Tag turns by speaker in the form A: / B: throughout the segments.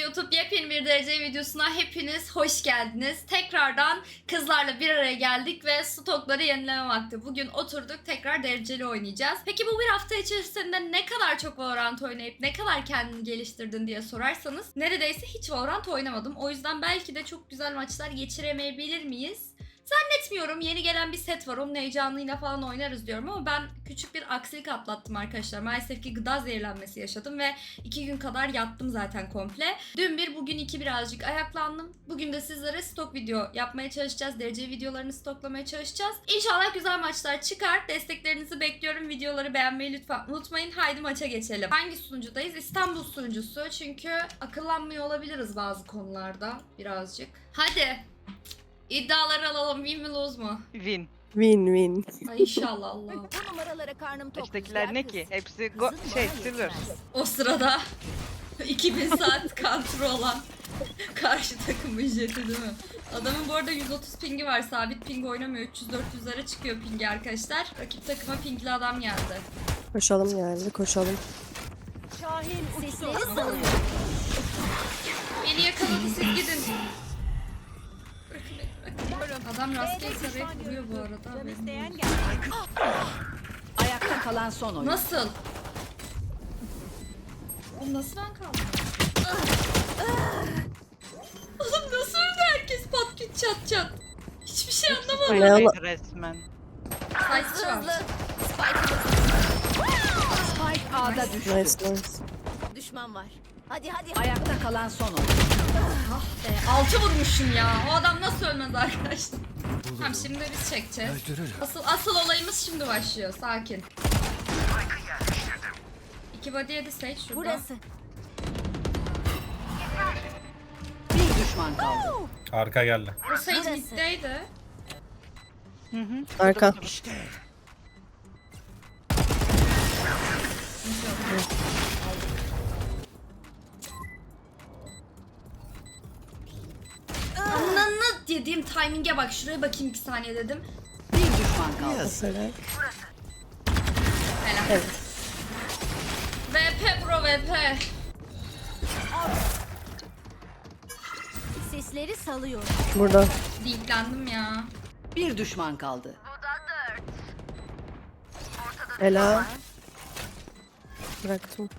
A: YouTube yepyeni bir derece videosuna hepiniz hoş geldiniz. Tekrardan kızlarla bir araya geldik ve stokları yenileme vakti. Bugün oturduk tekrar dereceli oynayacağız. Peki bu bir hafta içerisinde ne kadar çok Valorant oynayıp ne kadar kendini geliştirdin diye sorarsanız neredeyse hiç Valorant oynamadım. O yüzden belki de çok güzel maçlar geçiremeyebilir miyiz? Zannetmiyorum. Yeni gelen bir set var. Onun heyecanıyla falan oynarız diyorum ama ben küçük bir aksilik atlattım arkadaşlar. Maalesef ki gıda zehirlenmesi yaşadım ve 2 gün kadar yattım zaten komple. Dün bir, bugün iki birazcık ayaklandım. Bugün de sizlere stok video yapmaya çalışacağız. Derece videolarını stoklamaya çalışacağız. İnşallah güzel maçlar çıkar. Desteklerinizi bekliyorum. Videoları beğenmeyi lütfen unutmayın. Haydi maça geçelim. Hangi sunucudayız? İstanbul sunucusu. Çünkü akıllanmıyor olabiliriz bazı konularda birazcık. Hadi. İddiaları alalım. Win mi lose mu?
B: Win.
C: Win.
A: Ay inşallah Allah.
D: Bu numaralara karnım tok.
B: Baştakiler ne ki? Hepsi silver.
A: O sırada 2000 saat counter olan karşı takımın jeti değil mi? Adamın bu arada 130 pingi var. Sabit ping oynamıyor. 300-400'lere çıkıyor pingi arkadaşlar. Rakip takıma pingli adam geldi.
C: Koşalım yani koşalım.
D: Şahin sesleri salıyor.
A: Beni yakaladı, siz gidin. Adam rastgele sarayıp vuruyor bu arada.
D: Ayakta kalan son oyun.
A: Nasıl? Oğlum nasıl ben kaldım? Oğlum nasıl öldü herkes pat küt çat çat? Hiçbir şey anlamadım.
C: Ne
B: Hayır, resmen.
A: Saygısı var.
D: Spike A'da düştü.
C: Nice.
D: Düşman var. Hadi.
B: Ayakta kalan son oyun.
A: Ah be, 6 vurmuşum ya. O adam nasıl ölmez arkadaşlar? Tamam şimdi biz çekeceğiz. Asıl olayımız şimdi başlıyor. Sakin. 2 body yedi Sage şurada.
D: Burası.
B: Bir düşman kaldı.
E: Arka geldi.
A: O Sage
D: Burası.
A: middeydi.
C: Arka.
A: Ananı dediğim timing'e bak. Şuraya bakayım 2 saniye dedim.
B: Bir düşman kaldı.
C: Mesela.
A: Helal.
C: Evet.
A: VP bro VP.
D: Sesleri salıyor.
C: Burada.
A: Deeplendim ya.
B: Bir düşman kaldı.
C: Ela. Bıraktım.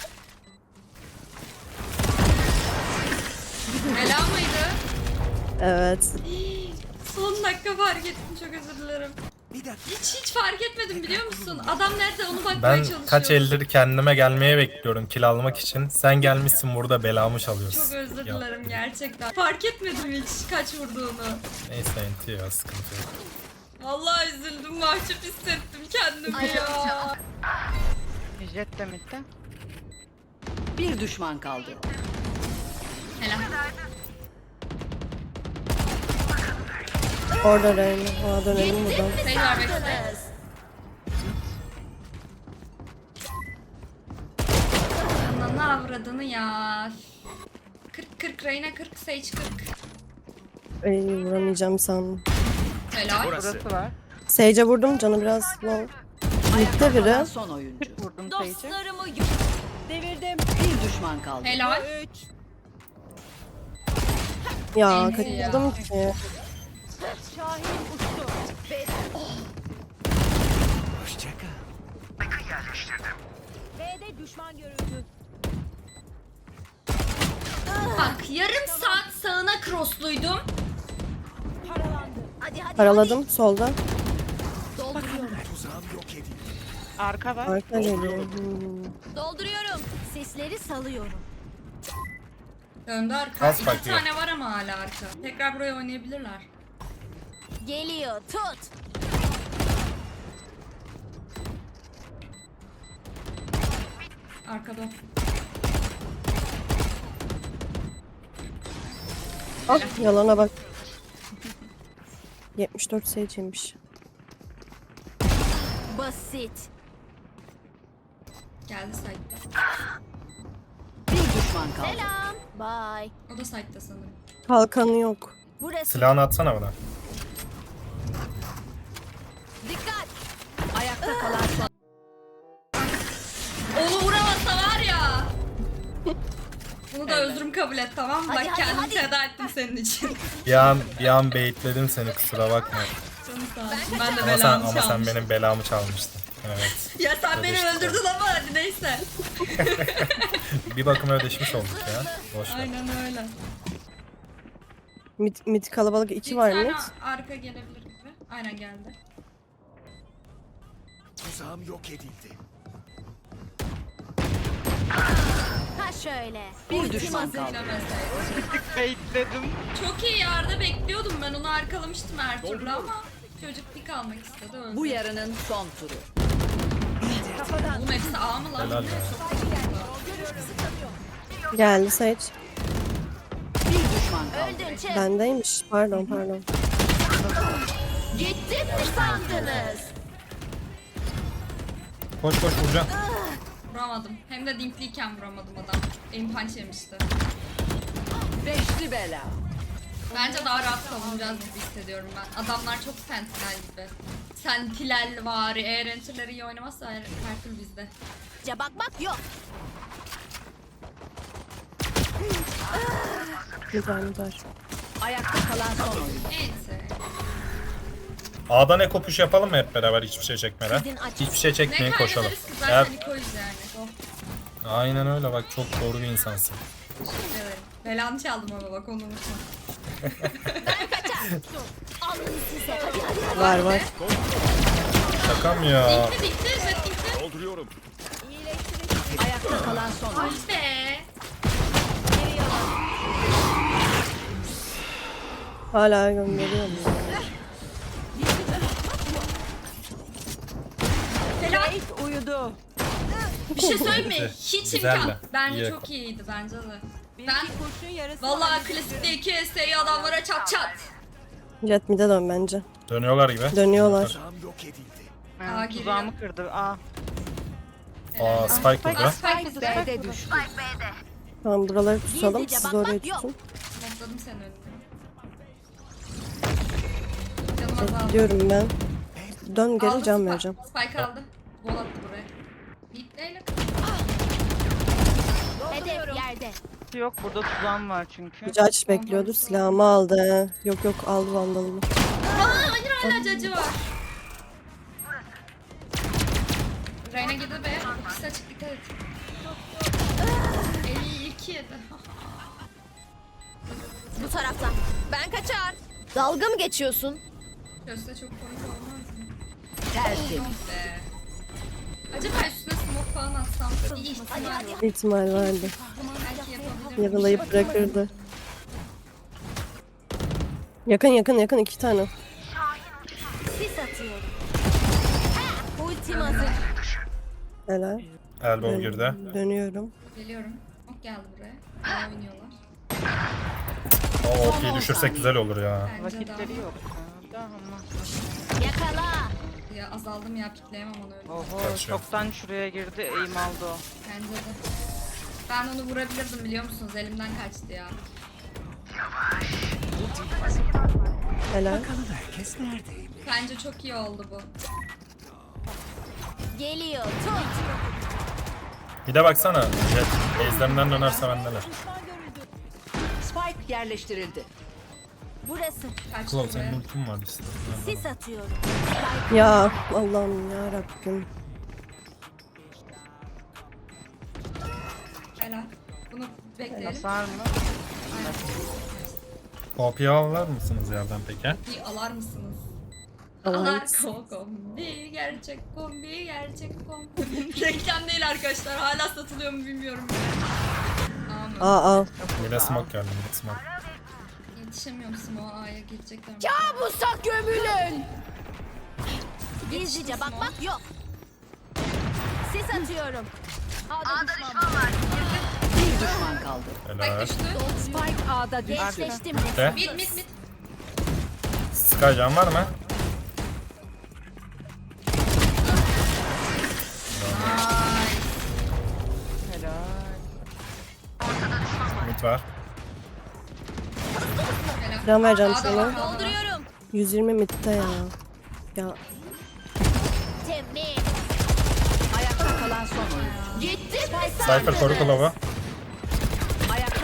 A: Bela mıydı?
C: Evet.
A: Son dakika fark ettim, çok özür dilerim. Hiç fark etmedim biliyor musun? Adam nerede onu bakmaya
E: Ben
A: çalışıyorum.
E: kaç eldir kendime gelmeye bekliyorum kill almak için. Sen gelmişsin burada belamı çalıyorsun.
A: Çok özür
E: Ya,
A: dilerim gerçekten. Fark etmedim hiç kaç vurduğunu.
E: Neyse entiyor sıkıntı yok.
A: Vallahi üzüldüm, mahcup hissettim kendimi ya.
B: Jet de midde. Bir düşman kaldı.
A: Helal.
C: Orada Reyna. Aa dönelim buradan.
A: Sage var bekle. Ananı avradını ya. 40 Reyna 40 Sage 40.
C: Ay vuramayacağım sandım.
A: Helal.
B: Burası var.
C: Sage'e vurdum canı biraz low. Mid'de
B: Kalan
C: biri.
B: son oyuncu. Vurdum sayıcı.
D: Dostlarımı devirdim.
B: Bir düşman kaldı.
A: Helal.
C: Ya
A: Neyse
C: kaçırdım ki.
D: Şahin uçtu. B'de düşman görüldü.
A: Bak yarım saat sağına crossluydum.
D: Paralandı. Hadi.
C: Paraladım solda.
D: Dolduruyorum.
B: Arka var.
C: Arka geliyor.
D: Dolduruyorum. Sesleri salıyorum.
A: Döndü arka.
E: Az
A: 2
E: bakıyor.
A: tane var ama hala arka. Tekrar buraya oynayabilirler.
D: Geliyor. Tut.
A: Arkada.
C: Ah yalana bak. 74 Sage'ymiş.
D: Basit.
A: Geldi site'da.
B: Bir düşman kaldı.
D: Selam. Bye.
A: O da site'da sanırım.
C: Kalkanı yok.
D: Burası.
E: Silahını atsana bana.
D: Dikkat.
B: Ayakta kalan son.
A: Onu vuramasa var ya. Bunu da özrüm kabul et, tamam mı?
D: Hadi,
A: Bak
D: hadi,
A: kendimi
D: hadi.
A: feda ettim senin için.
E: Bir an baitledim seni, kusura bakma.
A: Canım sağ olsun. Ben de
E: Ama
A: belamı
E: sen
A: çalmıştım.
E: benim belamı çalmıştın. Evet.
A: Ya sen beni
E: Ödeştik
A: öldürdün ama hadi neyse.
E: Bir bakıma ödeşmiş olduk ya. Boş ver.
A: Aynen öyle.
C: Mid kalabalık 2 var
A: Bir
C: mid.
A: tane arka gelebilir gibi. Aynen geldi.
F: Tuzağım yok edildi.
D: Ha şöyle.
B: Bir düşman kaldı.
A: Bekledim. Çok iyi yerde bekliyordum, ben onu arkalamıştım her türlü ama çocuk pik almak istedi, öldü.
B: Bu yarının son turu.
A: Oğlum hepsi A mı lan?
E: Helal be.
C: Geldi Sage.
B: Bir düşman kaldı.
D: Öldün çık.
C: Bendeymiş. Pardon.
D: Gittim mi sandınız?
E: Koş vuracağım.
A: Vuramadım. Hem de dinkliyken vuramadım adam. Aim punch yemişti.
B: Beşli bela.
A: Bence daha rahat savunacağız gibi hissediyorum ben. Adamlar çok sentinel gibi. Sentinel vari. Eğer enter'ları iyi oynamazsa her türlü bizde.
D: Bak yok.
C: Mid var.
B: Ayakta kalan son oyuncu.
A: Neyse.
E: A'da ne kopuş yapalım mı hep beraber, hiçbir şey çekmeden?
D: Sizin açık-
E: Hiçbir şey
A: Ne
E: çekmeyin, koşalım.
A: kaybederiz ki
E: Eğer...
A: zaten Niko'yuz yani. Oh.
E: Aynen öyle, bak çok doğru bir insansın.
A: Teşekkür ederim. Belanı çaldım ama bak, onu unutma.
D: Alın size. Hadi.
C: Var.
E: Şakam ya.
A: Dikti evet dikti.
F: Dolduruyorum.
B: Ayakta kalan son oyuncu.
A: Ah be.
C: Hala gönderiyorum.
A: Helal.
B: Uyudu.
A: Bir şey söyleyeyim mi?
E: Güzel.
A: Hiç
E: Güzel
A: imkan.
E: de.
A: Bence
E: İyi.
A: çok iyiydi bence de. Ben vallahi klasikte 2 ST'yi adamlara çat çat.
C: Jet mid'e dön bence.
E: Dönüyorlar gibi.
C: Dönüyorlar.
F: Tuzağım yok edildi.
A: Aa, giriyor.
G: Tuzağımı kırdı. Aa.
E: Aa, Spike burada.
A: Spike bizi
B: B'de düştü.
C: Tamam, buraları tutalım.
D: Gizlice
C: Siz
D: bakmak
C: orayı
D: yok.
C: tutun.
A: Smokladım seni önüne. Canım azaldı.
C: Gidiyorum ben. Dön geri
A: Aldı
C: can
A: Spike.
C: vereceğim.
A: Spike aldı. Gol attı buraya. Hitleyle.
D: Hedef yerde.
G: Yok burada tuzağım var çünkü.
C: Judge bekliyordu. Silahımı aldı. Yok aldı vandalımı.
A: Aa, hayır hala cacı var. Reyna gidi be. İkisi açık, dikkat et. 52 yedi.
D: Bu taraftan. Ben kaçar. Dalga mı geçiyorsun?
A: Göster çok komik olmaz mı?
B: Tertemiz.
A: Be. Acaba üstüne smoke falan atsam bir ihtimal var.
C: İhtimal vardı.
A: Belki yapabilirim.
C: Yaralayıp bırakırdı. Yakın 2 tane.
D: Sis atıyorum. Ha, ultim hazır.
C: Helal.
E: Elbow girdi.
C: Dönüyorum.
A: Geliyorum. Ok geldi buraya. Bana oynuyorlar.
E: O OP'yi düşürsek güzel olur ya.
A: Bence
G: Vakitleri
A: daha.
G: yok. Da ama.
D: Yakala.
A: Ya azaldım ya, pikleyemem onu öyle.
G: Oho
E: Kaçıyor.
G: çoktan şuraya girdi. Eğim aldı o.
A: Bence de. Ben onu vurabilirdim biliyor musunuz? Elimden kaçtı ya.
C: Helal.
F: Herkes neredeyim?
A: Bence çok iyi oldu bu.
D: Geliyor. Tut.
E: Bir de baksana. Jet base'lerinden dönerse bendeler.
B: Spike yerleştirildi.
D: Burası.
A: Kaçtı
E: Klov
A: buraya.
E: senin ultin var işte.
D: Sis atıyorum.
C: Ya Allah'ım ya Rabbim.
A: Helal. Bunu bekleyelim.
G: Hasar mı?
E: OP'yi alır mısınız yerden peki?
A: Bir alar mısınız?
C: Alarız.
A: Alar kombi, gerçek kombi, gerçek kombi. Reklam değil arkadaşlar. Hala satılıyor mu bilmiyorum. Aman.
C: Aa.
E: Bir de smoke geldi. Bir de smoke.
A: Yetişemiyorum Smoke'a, A'ya geçecekler.
D: Kabusa gömülün. Gizlice bakmak yok. Sis atıyorum. A'da düşman var.
B: Bir düşman kaldı.
A: Spike
E: Helal.
A: düştü.
B: Spike A'da düştü.
D: Gençleştim.
E: De.
A: Mid.
E: Skycan var mı?
G: Helal.
E: Mid var.
A: Helal.
C: Can vereceğim
A: A'da
C: sana.
A: var, A'da var.
D: Dolduruyorum.
C: 120 mid'de ya. Ya
D: Temiz.
B: Ayakta kalan son oyuncu.
D: Gittim mi
E: Cypher koru Klov'u.
B: Ayakta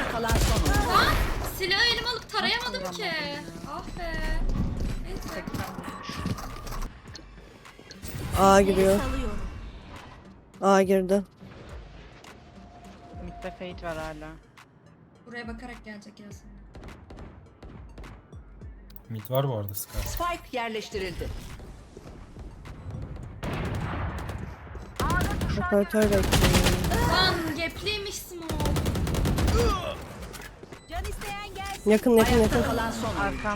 A: Silahı elime alıp tarayamadım ki. Ah be. Neyse.
C: A giriyor.
D: Salıyorum.
C: A girdi.
G: Mid'de Fate var hala.
A: Buraya bakarak gelecek Yasin.
E: Mid var bu arada Sky.
B: Spike yerleştirildi.
C: Operatör bekliyor.
A: Lan gepliymiş smoke.
D: Can isteyen gelsin.
C: Yakın yakın
B: Ayakta
C: yakın.
B: kalan son oyuncu.
G: Arkam.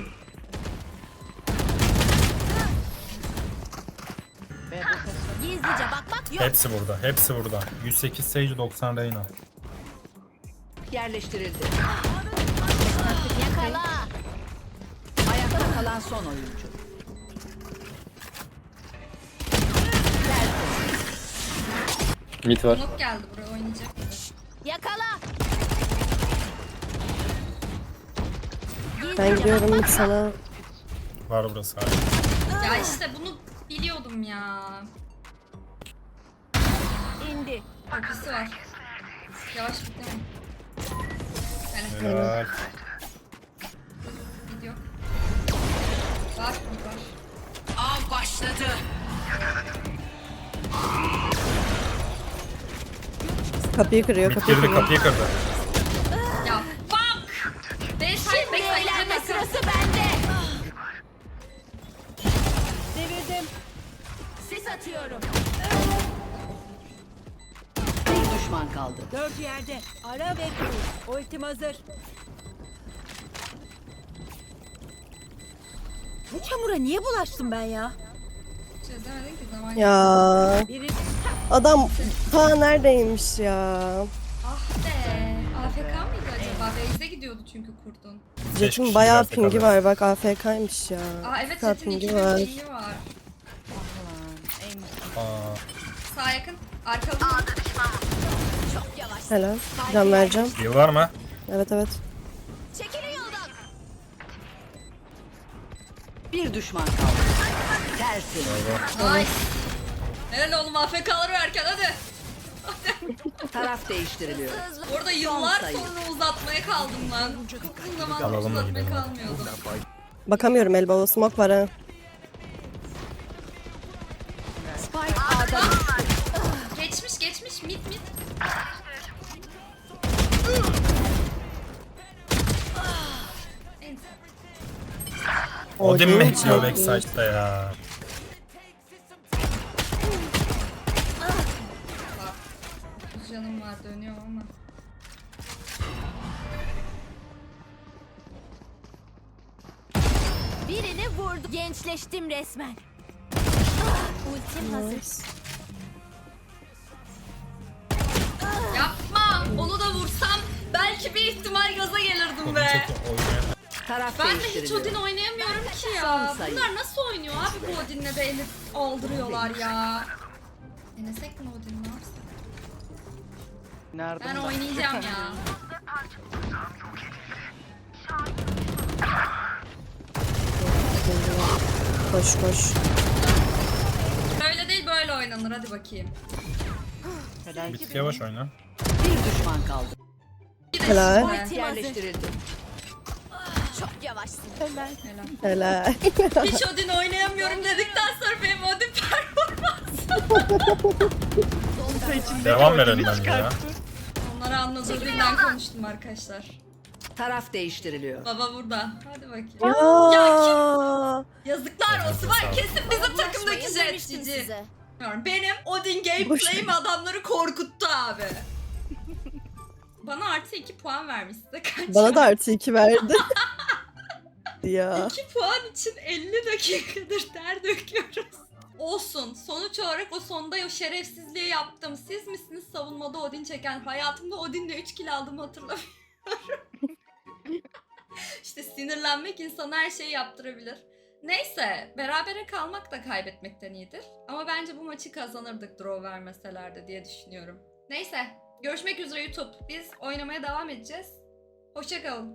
G: B'de ses var.
D: Gizlice bakmak yok.
E: Hepsi burada. Hepsi burada. 108 Sage 90 Reyna.
B: Yerleştirildi.
D: Yakala.
B: Ayakta kalan son oyuncu.
H: Mid var.
A: Smoke geldi buraya oynayacak.
D: Yakala.
C: Ben
D: Gizlice
C: gidiyorum
D: bakmak
C: mid sana.
E: Var burası hala.
A: Ya işte bunu biliyordum ya.
D: indi.
A: Kapısı var. Yavaş bitemem. Yani
E: Helal.
A: video. Var mid var.
B: Av başladı.
C: Kapıyı kırıyor
E: Mid
C: kapıyı
E: girdi
C: kırıyor.
E: kapıyı kırdı.
A: Ya fuck! Backside
D: Şimdi eğlenme
A: backside.
D: sırası bende. Devirdim. Sis atıyorum.
B: Bir düşman kaldı.
D: 4 yerde. Ara ve kur. Ultim hazır. Bu çamura niye bulaştım ben ya?
A: Çözemedin ki zaman.
C: Ya
D: Biri
C: adam ta neredeymiş ya?
A: Ah be. AFK mıydı acaba? Base'e gidiyordu çünkü kurdun.
E: Beş
C: Jet'in
E: kişi
C: bayağı
E: gelse
C: pingi
E: kadar.
C: var bak AFK'ymış ya.
A: Aa evet
C: Saat
A: Jet'in
C: pingi
A: 2000
C: var.
A: pingi var.
E: Aa,
A: Sağ yakın. Arkalı.
D: çok yavaş.
C: Helal. Can vereceğim.
E: heal var mı?
C: Evet evet.
D: Çekilin yoldan.
B: Bir düşman kaldı. Tersin.
A: Nice. Helal oğlum AFK'ları verken hadi.
B: Taraf değiştiriliyor.
A: Orada yıllar
B: sayı.
A: sonra uzatmaya kaldım lan. Uzun zaman
E: Alalım da
A: uzatmaya
E: gidelim.
A: kalmıyordum.
C: Bakamıyorum elbow smoke var ha.
B: Spike A'da düştü.
A: Geçmiş mid. Neyse.
E: Odin mi
C: Odin
E: bekliyor
C: çok
E: backside'da ya?
A: Bak, canım var dönüyor ama.
D: Birini vurdu. Gençleştim resmen. Ultim hazır.
A: Yapma. Onu da vursam belki bir ihtimal gaza gelirdim
E: Odin
A: be.
E: çok oynayan.
B: Taraf
A: Ben de hiç
B: değiştiriliyor.
A: Odin oynayamıyorum ki ya.
B: Son sayı.
A: Bunlar nasıl oynuyor abi bu Odin'le de elif aldırıyorlar ya. Denesek mi Odin ne yapsak?
G: Nerede?
A: Ben oynayacağım ya.
C: Koş koş.
A: Öyle değil böyle oynanır hadi bakayım.
G: Helal.
E: Mid yavaş oyna.
B: Bir düşman kaldı.
A: Bir de
C: Helal.
A: şimdi.
D: Ultim hazır.
B: Yerleştirildi.
D: Çok yavaşsın.
A: Helal.
C: Helal.
A: Hiç Odin oynayamıyorum dedikten sonra benim Odin performans.
E: Devam ver önden ya.
A: Onları anladığım dilden konuştum arkadaşlar.
B: Taraf değiştiriliyor.
A: Baba burada. Hadi bakayım.
C: Ya.
A: Yazıklar olsun var kesin bizim takımdaki
D: Bulaşmayın
A: jet
D: demiştim
A: cici.
D: size.
A: Benim Odin gameplay'im adamları korkuttu abi. Bana artı 2 puan vermiş size kaç?
C: Bana da artı 2 verdi. Ya.
A: 2 puan için 50 dakikadır ter döküyoruz. Olsun. Sonuç olarak o sonda o şerefsizliği yaptım. Siz misiniz savunmada Odin çeken? Hayatımda Odin'le 3 kill aldığımı hatırlamıyorum. İşte sinirlenmek insana her şeyi yaptırabilir. Neyse, berabere kalmak da kaybetmekten iyidir. Ama bence bu maçı kazanırdık draw vermeselerdi diye düşünüyorum. Neyse, görüşmek üzere YouTube. Biz oynamaya devam edeceğiz. Hoşça kalın.